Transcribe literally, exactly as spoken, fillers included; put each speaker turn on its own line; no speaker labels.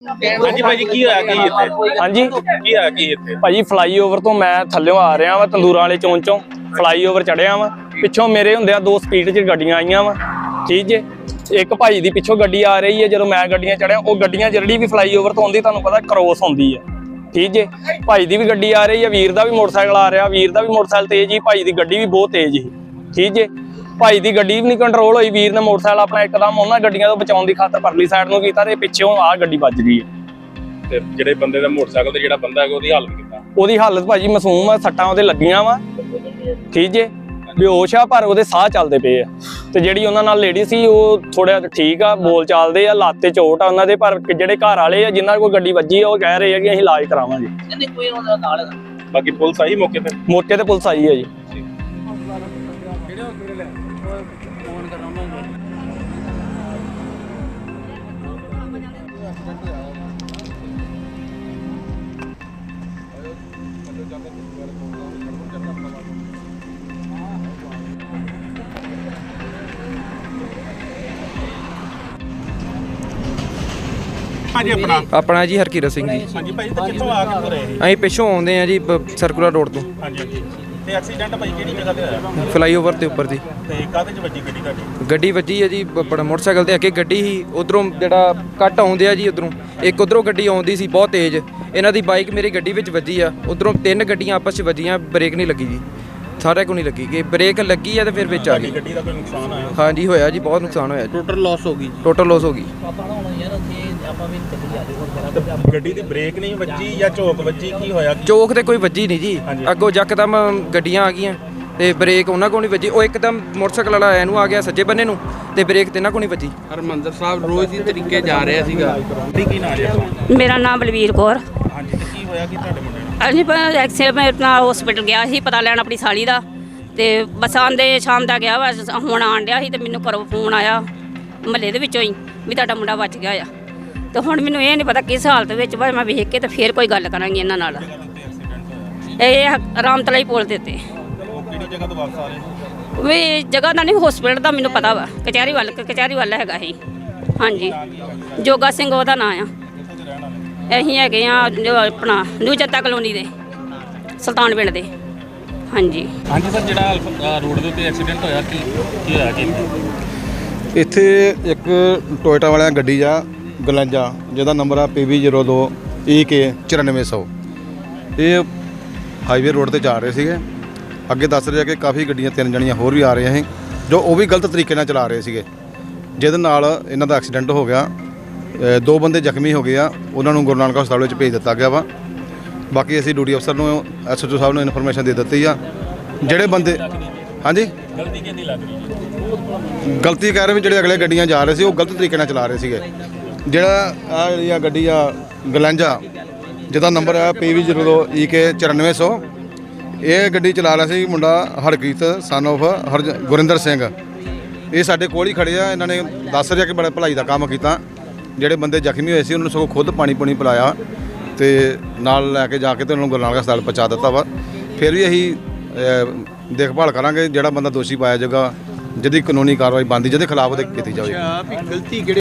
ਹਾਂਜੀ ਭਾਜੀ ਕੀ ਹੋਇਆ ਕੀ ਇੱਥੇ?
ਹਾਂਜੀ
ਕੀ ਹੋਇਆ ਕੀ ਇੱਥੇ?
ਭਾਜੀ ਫਲਾਈਓਵਰ ਤੋਂ ਮੈਂ ਥੱਲਿਓਂ ਆ ਰਿਹਾ ਵਾ ਤੰਦੂਰਾਂ ਵਾਲੇ ਚੌਂਕ ਚੋਂ ਫਲਾਈਓਵਰ ਚੜਿਆ ਵਾ। ਪਿੱਛੋਂ ਮੇਰੇ ਹੁੰਦਿਆਂ ਦੋ ਸਪੀਡ 'ਚ ਗੱਡੀਆਂ ਆਈਆਂ ਵਾ, ਠੀਕ ਜੇ। ਇੱਕ ਭਾਈ ਦੀ ਪਿੱਛੋਂ ਗੱਡੀ ਆ ਰਹੀ ਹੈ, ਜਦੋਂ ਮੈਂ ਗੱਡੀਆਂ ਚੜਿਆ ਉਹ ਗੱਡੀਆਂ ਜਿਹੜੀ ਵੀ ਫਲਾਈਓਵਰ ਤੋਂ ਆਉਂਦੀ ਤੁਹਾਨੂੰ ਪਤਾ ਕ੍ਰੋਸ ਹੁੰਦੀ ਹੈ, ਠੀਕ ਜੇ। ਭਾਈ ਦੀ ਵੀ ਗੱਡੀ ਆ ਰਹੀ ਹੈ, ਵੀਰ ਦਾ ਵੀ ਮੋਟਰਸਾਈਕਲ ਆ ਰਿਹਾ, ਵੀਰ ਦਾ ਵੀ ਮੋਟਰਸਾਈਕਲ ਤੇਜ਼ ਹੀ, ਭਾਈ ਦੀ ਗੱਡੀ ਵੀ ਬਹੁਤ ਤੇਜ਼ ਸੀ, ਠੀਕ ਜੇ। ਭਾਈ ਦੀ ਗੱਡੀ ਵੀ ਨਹੀਂ ਕੰਟਰੋਲ ਹੋਈ, ਵੀਰ ਨੇ ਮੋਟਰਸਾਈਕਲ ਆਪਣਾ ਇੱਕਦਮ ਉਹਨਾਂ ਗੱਡੀਆਂ ਤੋਂ ਬਚਾਉਣ ਦੀ ਖਾਤਰ ਪਰਲੀ ਸਾਈਡ ਨੂੰ ਕੀਤਾ ਤੇ ਪਿੱਛੋਂ ਆਹ ਗੱਡੀ ਵੱਜ ਗਈ ਹੈ।
ਤੇ ਜਿਹੜੇ ਬੰਦੇ ਦਾ ਮੋਟਰਸਾਈਕਲ ਤੇ ਜਿਹੜਾ ਬੰਦਾ ਹੈਗਾ ਉਹਦੀ ਹਾਲਤ ਕਿੱਦਾਂ?
ਉਹਦੀ ਹਾਲਤ ਭਾਜੀ ਮਾਸੂਮ ਆ, ਸੱਟਾਂ ਉਹਦੇ ਲੱਗੀਆਂ ਵਾ, ਠੀਕ ਜੇ। ਬੇਹੋਸ਼ ਆ ਪਰ ਉਹਦੇ ਸਾਹ ਚੱਲਦੇ ਪਏ ਆ। ਤੇ ਜਿਹੜੀ ਉਹਨਾਂ ਨਾਲ ਲੇਡੀ ਸੀ ਉਹ ਥੋੜਾ ਠੀਕ ਆ, ਬੋਲ ਚਾਲਦੇ ਆ, ਲੱਤ ਤੇ ਚੋਟ ਆ ਉਹਨਾਂ ਦੇ। ਪਰ ਜਿਹੜੇ ਘਰ ਵਾਲੇ ਆ ਜਿਨ੍ਹਾਂ ਕੋਲ ਗੱਡੀ ਵੱਜੀ ਆ ਉਹ ਕਹਿ ਰਹੇ ਆ ਕਿ ਅਸੀਂ ਇਲਾਜ ਕਰਾਵਾਂਗੇ।
ਬਾਕੀ ਪੁਲਿਸ ਆਈ ਮੌਕੇ ਤੇ?
ਮੌਕੇ ਤੇ ਪੁਲਿਸ ਆਈ ਹੈ ਜੀ।
ਹਾਂਜੀ ਆਪਣਾ
ਆਪਣਾ ਜੀ ਹਰਕੀਰਤ ਸਿੰਘ ਜੀ।
ਹਾਂਜੀ ਭਾਈ ਤੇ ਕਿੱਥੋਂ ਆ ਕੇ ਰਹੇ?
ਅਸੀਂ ਪਿੱਛੋਂ ਆਉਂਦੇ ਆ ਜੀ ਸਰਕੂਲਰ ਰੋਡ ਤੋਂ।
ਹਾਂਜੀ ਹਾਂਜੀ। ਤੇ ਐਕਸੀਡੈਂਟ ਭਾਈ ਕਿਹੜੀ ਜਗ੍ਹਾ ਤੇ ਹੋਇਆ?
ਫਲਾਈਓਵਰ ਦੇ ਉੱਪਰ ਦੀ
ਤੇ ਕਾਹਦੇ ਚ ਵੱਜੀ ਗੱਡੀ ਤੁਹਾਡੀ?
ਗੱਡੀ ਵੱਜੀ ਹੈ ਜੀ, ਬੜਾ ਮੋਟਰਸਾਈਕਲ ਤੇ ਅੱਗੇ ਗੱਡੀ ਸੀ, ਉਧਰੋਂ ਜਿਹੜਾ ਕੱਟ ਆਉਂਦੇ ਆ ਜੀ ਉਧਰੋਂ ਇੱਕ ਉਧਰੋਂ ਗੱਡੀ ਆਉਂਦੀ ਸੀ ਬਹੁਤ ਤੇਜ਼, ਇਹਨਾਂ ਦੀ ਬਾਈਕ ਮੇਰੀ ਗੱਡੀ ਵਿੱਚ ਵੱਜੀ ਆ। ਉਧਰੋਂ ਤਿੰਨ ਗੱਡੀਆਂ ਆਪਸ 'ਚ ਵੱਜੀਆਂ, ਬ੍ਰੇਕ ਨਹੀਂ ਲੱਗੀ ਜੀ, ਸਾਰੇ ਕੋ ਨਹੀਂ ਲੱਗੀ ਕਿ ਬ੍ਰੇਕ ਲੱਗੀ ਆ ਤੇ ਫਿਰ ਵਿੱਚ ਆ ਗਈ।
ਗੱਡੀ ਦਾ ਕੋਈ ਨੁਕਸਾਨ ਆਇਆ?
ਹਾਂਜੀ ਹੋਇਆ ਜੀ, ਬਹੁਤ ਨੁਕਸਾਨ ਹੋਇਆ ਜੀ,
ਟੋਟਲ ਲਾਸ ਹੋ ਗਈ
ਟੋਟਲ ਲਾਸ ਹੋ ਗਈ।
ਗੱਡੀ ਦੀ ਬ੍ਰੇਕ ਨਹੀਂ ਵੱਜੀ ਜਾਂ ਝੋਕ ਵੱਜੀ, ਕੀ ਹੋਇਆ?
ਚੌਕ ਤੇ ਕੋਈ ਵੱਜੀ ਨਹੀਂ ਜੀ, ਅੱਗੋਂ ਯਕਦਮ ਗੱਡੀਆਂ ਆ ਗਈਆਂ ਤੇ ਬ੍ਰੇਕ ਉਹਨਾਂ ਕੋਲ ਨਹੀਂ ਵੱਜੀ। ਉਹ ਇੱਕਦਮ ਮੋਟਰਸਾਈਕਲ ਵਾਲਾ ਇਹਨੂੰ ਆ ਗਿਆ ਸੱਜੇ ਬੰਨੇ ਨੂੰ ਤੇ ਬ੍ਰੇਕ ਤੇ ਇਹਨਾਂ ਕੋਲ ਨਹੀਂ ਵੱਜੀ।
ਹਰਮੰਦਰ ਸਾਹਿਬ ਰੋਜ਼ ਦੀ ਤਰੀਕੇ ਜਾ ਰਿਹਾ ਸੀਗਾ।
ਕੀ ਨਾਮ ਹੈ?
ਮੇਰਾ ਨਾਮ ਬਲਵੀਰ ਕੌਰ।
ਹਾਂਜੀ ਤੇ ਕੀ ਹੋਇਆ ਕੀ ਤੁਹਾਡੇ ਮੁੰਡੇ ਨੂੰ?
ਅਸੀਂ ਪਰ ਐਕਸੀਡੈਂਟ ਨਾਲ ਹਸਪੀਟਲ ਗਿਆ ਸੀ ਪਤਾ ਲੈਣ ਆਪਣੀ ਸਾਲੀ ਦਾ, ਤੇ ਬਸ ਆਂਦੇ ਸ਼ਾਮ ਦਾ ਗਿਆ ਵਾ, ਹੁਣ ਆਣ ਡਿਆ ਸੀ ਤੇ ਮੈਨੂੰ ਘਰੋਂ ਫੋਨ ਆਇਆ ਮਹੱਲੇ ਦੇ ਵਿੱਚੋਂ ਹੀ ਵੀ ਤੁਹਾਡਾ ਮੁੰਡਾ ਬਚ ਗਿਆ ਆ। ਤੇ ਹੁਣ ਮੈਨੂੰ ਇਹ ਨਹੀਂ ਪਤਾ ਕਿਸ ਹਾਲਤ ਵਿੱਚ ਵਾ, ਮੈਂ ਵੇਖ ਕੇ ਤੇ ਫਿਰ ਕੋਈ ਗੱਲ ਕਰਾਂਗੀ ਇਹਨਾਂ ਨਾਲ। ਇਹ ਰਾਮਤਲਾਈ ਪੁਲ ਦੇ ਉੱਤੇ।
ਕਿਹੜੀ ਜਗ੍ਹਾ ਤੋਂ ਵਾਪਸ ਆ ਰਹੇ?
ਵੀ ਜਗ੍ਹਾ ਦਾ ਨਹੀਂ, ਹਸਪੀਟਲ ਦਾ ਮੈਨੂੰ ਪਤਾ ਵਾ, ਕਚਹਿਰੀ ਵੱਲ ਕਚਹਿਰੀ ਵੱਲ ਹੈਗਾ ਸੀ। ਹਾਂਜੀ ਜੋਗਾ ਸਿੰਘ ਉਹਦਾ ਨਾਂ ਆ। ਅਸੀਂ ਹੈਗੇ ਆ ਜੋ ਆਪਣਾ ਨਿਊ ਜਨਤਾ ਕਲੋਨੀ ਦੇ ਸੁਲਤਾਨ ਪਿੰਡ ਦੇ। ਹਾਂਜੀ
ਹਾਂਜੀ ਸਰ, ਜਿਹੜਾ ਰੋਡ ਦੇ ਉੱਤੇ ਐਕਸੀਡੈਂਟ ਹੋਇਆ ਕੀ ਕੀ ਹੋਇਆ ਕੀ?
ਇੱਥੇ ਇੱਕ ਟੋਇਟਾ ਵਾਲਿਆਂ ਗੱਡੀ ਆ ਗਲੰਜਾ, ਜਿਹਦਾ ਨੰਬਰ ਆ ਪੀ ਵੀ ਜ਼ੀਰੋ ਦੋ ਈ ਕੇ ਚੁਰਾਨਵੇਂ ਸੌ। ਇਹ ਹਾਈਵੇ ਰੋਡ ਤੇ ਜਾ ਰਹੇ ਸੀਗੇ, ਅੱਗੇ ਦੱਸ ਰਿਹਾ ਕਿ ਕਾਫੀ ਗੱਡੀਆਂ ਤਿੰਨ ਜਣੀਆਂ ਹੋਰ ਵੀ ਆ ਰਹੀਆਂ ਸੀ, ਜੋ ਉਹ ਵੀ ਗਲਤ ਤਰੀਕੇ ਨਾਲ ਚਲਾ ਰਹੇ ਸੀਗੇ, ਜਿਹਦੇ ਨਾਲ ਇਹਨਾਂ ਦਾ ਐਕਸੀਡੈਂਟ ਹੋ ਗਿਆ। ਦੋ ਬੰਦੇ ਜ਼ਖਮੀ ਹੋ ਗਏ ਆ, ਉਹਨਾਂ ਨੂੰ ਗੁਰੂ ਨਾਨਕ ਹਸਪਤਾਲ ਵਿੱਚ ਭੇਜ ਦਿੱਤਾ ਗਿਆ ਵਾ। ਬਾਕੀ ਅਸੀਂ ਡਿਊਟੀ ਅਫਸਰ ਨੂੰ ਐਸ ਐਚ ਓ ਸਾਹਿਬ ਨੂੰ ਇਨਫੋਰਮੇਸ਼ਨ ਦੇ ਦਿੱਤੀ ਆ। ਜਿਹੜੇ ਬੰਦੇ ਹਾਂਜੀ
ਗਲਤੀ ਕਿਹਦੀ ਲੱਗ ਰਹੀ?
ਗਲਤੀ ਕਹਿ ਰਹੇ ਵੀ ਜਿਹੜੇ ਅਗਲੇ ਗੱਡੀਆਂ ਜਾ ਰਹੇ ਸੀ ਉਹ ਗਲਤ ਤਰੀਕੇ ਨਾਲ ਚਲਾ ਰਹੇ ਸੀਗੇ। ਜਿਹੜਾ ਆ ਜਿਹੜੀ ਆ ਗੱਡੀ ਆ ਗਲੰਜਾ, ਜਿਹਦਾ ਨੰਬਰ ਆ ਪੀ ਵੀ ਜ਼ੀਰੋ ਦੋ ਈ ਕੇ ਚੁਰਾਨਵੇਂ ਸੌ, ਇਹ ਗੱਡੀ ਚਲਾ ਰਿਹਾ ਸੀ ਮੁੰਡਾ ਹਰਕੀਤ ਸਨ ਆਫ ਹਰ ਗੁਰਿੰਦਰ ਸਿੰਘ। ਇਹ ਸਾਡੇ ਕੋਲ ਹੀ ਖੜੇ ਆ, ਇਹਨਾਂ ਨੇ ਦੱਸ ਰਿਹਾ ਕਿ ਬੜਾ ਭਲਾਈ ਦਾ ਕੰਮ ਕੀਤਾ। ਜਿਹੜੇ ਬੰਦੇ ਜ਼ਖਮੀ ਹੋਏ ਸੀ ਉਹਨਾਂ ਨੂੰ ਸਗੋਂ ਖੁਦ ਪਾਣੀ ਪੂਣੀ ਪਿਲਾਇਆ ਤੇ ਨਾਲ ਲੈ ਕੇ ਜਾ ਕੇ ਤੇ ਉਹਨਾਂ ਨੂੰ ਗੁਰੂ ਨਾਨਕ ਹਸਪਤਾਲ ਪਹੁੰਚਾ ਦਿੱਤਾ ਵਾ। ਫਿਰ ਵੀ ਅਸੀਂ ਦੇਖਭਾਲ ਕਰਾਂਗੇ, ਜਿਹੜਾ ਬੰਦਾ ਦੋਸ਼ੀ ਪਾਇਆ ਜਾਏਗਾ, ਜਿਹਦੀ ਕਾਨੂੰਨੀ ਕਾਰਵਾਈ ਬਣਦੀ ਜਿਹਦੇ ਖਿਲਾਫ ਉਹਦੇ ਕੀਤੀ ਜਾਵੇਗੀ।
ਗਲਤੀ